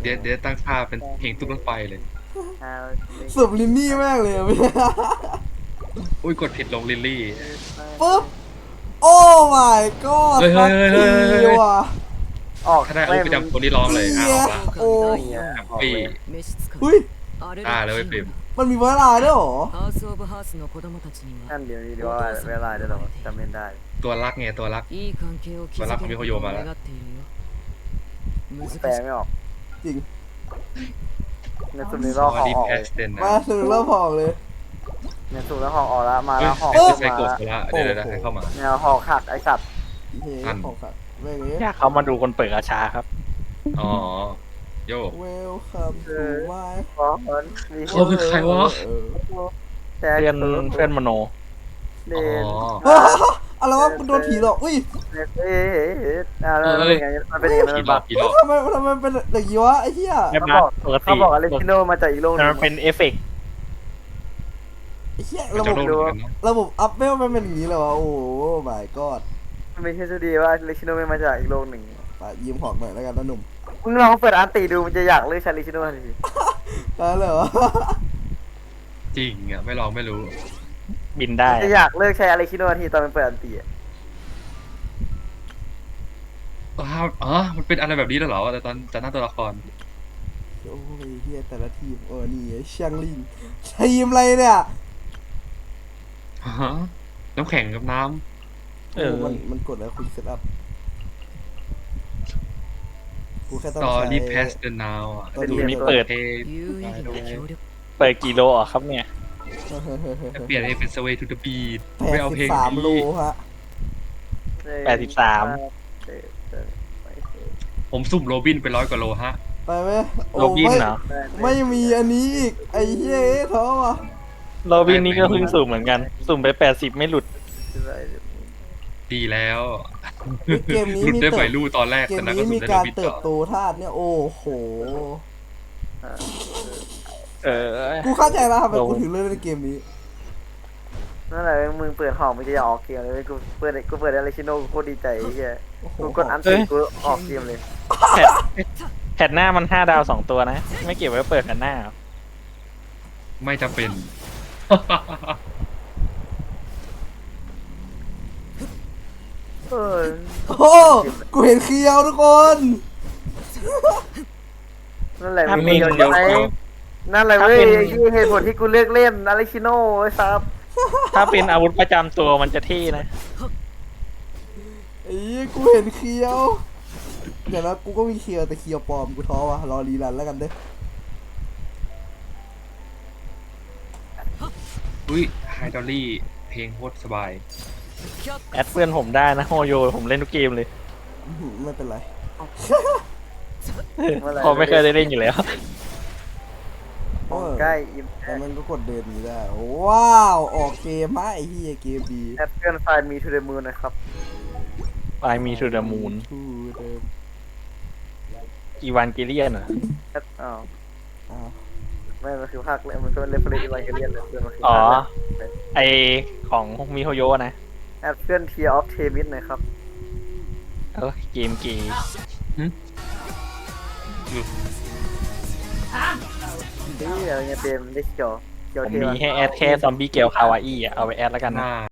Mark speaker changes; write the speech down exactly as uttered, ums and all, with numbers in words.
Speaker 1: เดี๋ยวเดี๋ยวตั้งค่าเป็นเพลงตุ๊กรถไฟเลย
Speaker 2: สุบลินนี่มากเลยอะพี่
Speaker 1: อุ้ยกดผิดลงลิลลี่
Speaker 2: ปุ๊บโอ้ my god
Speaker 1: เฮ้ยเฮ้ยเฮ้ยเฮ้ย
Speaker 2: ทีว่ะ
Speaker 3: ออก
Speaker 1: ถ้าได้อุ้ยไปจำคนที่ร้องเลยอ่ะออกละ
Speaker 2: โอ้
Speaker 1: แฮปปี้
Speaker 2: อุ้ย
Speaker 1: อ่าเลยไม่ปริม
Speaker 2: มันมีเวลาด้วยเหรอ
Speaker 3: นั่นเดี๋ยวนี้ดีว่าเวลาเดี๋ยวเราจำไม่ได้
Speaker 1: ตัวรักไงตัวรัก
Speaker 4: ตัวรักของมิโคโยมาแล้ว
Speaker 3: แปลไม่ออก
Speaker 2: จริง
Speaker 3: ในสุดนี้เราหอ
Speaker 1: ดี
Speaker 3: ออก
Speaker 1: แพสเดนนะ
Speaker 2: มาถึงเริ่มพอกเลย
Speaker 3: ในสุดแล้วหอออกแล้วมา
Speaker 1: เฮ้
Speaker 3: แล้
Speaker 1: ยว
Speaker 3: หอ
Speaker 1: ไอ้
Speaker 3: ขึ้น
Speaker 1: ไซ
Speaker 3: มา
Speaker 1: โกะละเดี๋ยวเดี๋ยวเดี๋ยวให้เข้ามา
Speaker 3: แนวหอขักไอสัตว์
Speaker 2: เฮ้
Speaker 1: อัน
Speaker 2: ของขัดเวงนี้
Speaker 4: อยากเขามาดูคนเปิดกาชาครับ
Speaker 1: อ๋อโย
Speaker 2: เวลคัมทูมาย
Speaker 3: หอเอินมี
Speaker 1: เขาคือใครวะ
Speaker 3: แต่
Speaker 4: เพื่อนเพื่อนมโน
Speaker 3: เด
Speaker 1: อ๋
Speaker 3: น
Speaker 1: อ
Speaker 2: อะไรวะกูโดนผีหลอกอุ้ย
Speaker 3: เอ๊ะอะไรมันเป็นไงมันเป็นยังไง
Speaker 1: ผี
Speaker 3: มัน
Speaker 1: หล
Speaker 3: บั
Speaker 1: อก
Speaker 3: ก
Speaker 1: ผีหลอก
Speaker 2: ทำไมทำไมเป็นอย่างนี้วะไอ้เหี้ย
Speaker 4: แบบ
Speaker 3: เขา
Speaker 4: นั้
Speaker 3: บ
Speaker 4: น
Speaker 3: อก
Speaker 4: ปกติ
Speaker 3: เขาบอกอะไรชิโนมาจากอีกโลกห
Speaker 4: แต่
Speaker 3: นึ
Speaker 4: มัน
Speaker 3: ง
Speaker 4: เป็นเอฟเฟกต์
Speaker 2: ไอ้เหี้ย
Speaker 1: มัน
Speaker 2: ระ
Speaker 1: จะ
Speaker 2: บบ
Speaker 1: โดนเหมือนกันนะ
Speaker 2: ระบบอัพเวลมันเป็นอย่างนี้เลยวะโอ้ my god
Speaker 3: มันไม่ใช่ทฤษฎีว่าเลชิโนไม่มาจากอีกโลกหนึ่ง
Speaker 2: ไปยืมหอกหน่อยแล้วกันนะหนุ่ม
Speaker 3: มึงลองเปิดอันตีดูมันจะอยากเลือกชาลิชิโนทันที
Speaker 2: ได้เลยเหรอ
Speaker 1: จริงอ่ะไม่ลองไม่รู้
Speaker 4: บินได้
Speaker 3: จะอยากเลิกใช้อาริชิโนทันทีตอนมันเปิดอันตีอะ
Speaker 1: อ้าวอ๋อมันเป็นอะไรแบบนี้แล้วเหรอแต่ตอนจะหน้าตัวละคร
Speaker 2: โอ้ยเฮียแต่ละทีมเออนี่ไอ้เชียงลิงทีมอะไรเนี่ย
Speaker 1: ฮะน้ำแข็งกับน้
Speaker 4: เออ
Speaker 2: โมันมันกดแล้วคุณเซตอัพกูแค่
Speaker 1: ำ
Speaker 2: ต้อง
Speaker 1: ตอ
Speaker 2: ใช้
Speaker 1: รี่แพสเดนนาวอ่ะ
Speaker 2: ตัวนี้
Speaker 1: ดูนี่
Speaker 4: เปิ
Speaker 1: เปิ
Speaker 4: ด
Speaker 1: ดเพลง
Speaker 4: เปิดกี่โลอ่ะครับเนี่ย
Speaker 1: เปลี่ยนเพลงเป็น Sway to the Beat
Speaker 2: แป
Speaker 1: ไม่
Speaker 2: ด
Speaker 1: เอา
Speaker 2: สิ
Speaker 1: เพล
Speaker 2: บ
Speaker 1: ง
Speaker 2: สามโล
Speaker 1: นี้
Speaker 2: ฮะ
Speaker 4: แปดสิบสาม
Speaker 1: ผมสุ่มโรบินไปร้อยกว่าโลฮะ
Speaker 2: ไปไหมโอ้
Speaker 4: โรบิน
Speaker 2: ไม่
Speaker 4: เหรอ
Speaker 2: ไม่มีอันนี้อีกไอ้เหี้ยท้อว่ะ
Speaker 4: โรบินนี่ก็เพิ่งสุ่มเหมือนกัน สุ่มไปแปดสิบไม่หลุด
Speaker 1: ดีแล้ว
Speaker 2: เฮ้ยเกมนี้
Speaker 1: หลุด
Speaker 2: มี
Speaker 1: ได้
Speaker 2: เติ
Speaker 1: ไฟ
Speaker 2: บ
Speaker 1: ลู่ตอนแรก
Speaker 2: เกม
Speaker 1: แต่นั้นก็
Speaker 2: นี้
Speaker 1: สุ่
Speaker 2: มี
Speaker 1: มได้โร
Speaker 2: การ
Speaker 1: บิน
Speaker 2: เติ
Speaker 1: ต่
Speaker 2: บ
Speaker 1: อ
Speaker 2: โตธาตุเนี่ยโอ้โห
Speaker 4: เออ
Speaker 2: กูเข้าใจแล้วทำไม
Speaker 4: โอ้
Speaker 2: กูถึงเล่นในเกมนี้
Speaker 3: นั่นแหละมึงเปิดห้องไม่จะออกเกมเลยกูเปิดกูเปิดอาริชิโนกูโคตรดีใจไอ้เหี้ย
Speaker 2: โอ้โห
Speaker 3: กูกดอันตีกูออกเกมเลย
Speaker 4: แพทแพทหน้ามันห้าดาวสองตัวนะ ไม่เก็บไว้เปิดแพทหน้าเหรอ
Speaker 1: ไม่จำเป็น
Speaker 3: เออ
Speaker 2: โอ้โหกูเห็นเคียวทุกคน
Speaker 3: นั่นแหละ
Speaker 4: ถ้า
Speaker 3: มี
Speaker 4: มี
Speaker 3: ประโยชน์
Speaker 1: เดี๋ยว
Speaker 3: ไหม
Speaker 1: เดี๋ยว
Speaker 3: นั่นแหละเว้ยที่เหตุผลที่กูเลือกเล่นอาริชิโนไอ้ซับ
Speaker 4: ถ้าเป็นอาวุธประจำตัวมันจะเท่นะ
Speaker 2: ไอ้เหี้ยกูเห็นเคียว เดี๋ยวนะกูก็มีเคียวแต่เคียวปลอมกูท้อว่ะรอรีรันแล้วกันเด้อ
Speaker 1: อุ้ยไฮดอลลี่เพลงโคตรสบาย
Speaker 4: แอดเพื่อนผมได้นะโฮโยผมเล่นทุกเกมเลย
Speaker 2: อื้อหือไม่เป็นไร
Speaker 4: เพอไม่เคยได้เล่นอยู่แล้ว
Speaker 2: เออ
Speaker 3: ใกล้อิม
Speaker 2: แต่มันก็กดเดินนี้ได้ ว้าวออกเกมฮะไอ้เหี้ยเกมดี
Speaker 3: แอปเปิลไฟล์มีทูเดมูนนะครับ
Speaker 4: ไฟมีทูเดอะมูน
Speaker 2: ทูเดอะ
Speaker 4: อีวานเกเลียนเหรอ
Speaker 3: แอปอ้าว
Speaker 2: อ้าว
Speaker 3: ไม่มันคือภาคเลยมันก็เรฟเฟรนซ์อีวานเกเลียนเลยมันคือ
Speaker 4: อ๋อ
Speaker 3: ภาคแรก
Speaker 4: ไอของมิโฮโยนะ
Speaker 3: แอปเปิลเทียร์ออฟเทมิสนะครับ
Speaker 4: เออเกมเกย์
Speaker 3: นี่อะไรเงี้ยเต็มได้เขียวเขียว
Speaker 4: ผม
Speaker 3: เท
Speaker 4: มี
Speaker 3: วะ
Speaker 4: ให้แอดแค่ซอมบี้เกลคาวาอี้อ่ะ เอาไปแอดแล้วกัน
Speaker 1: ห
Speaker 4: นะ
Speaker 1: น้า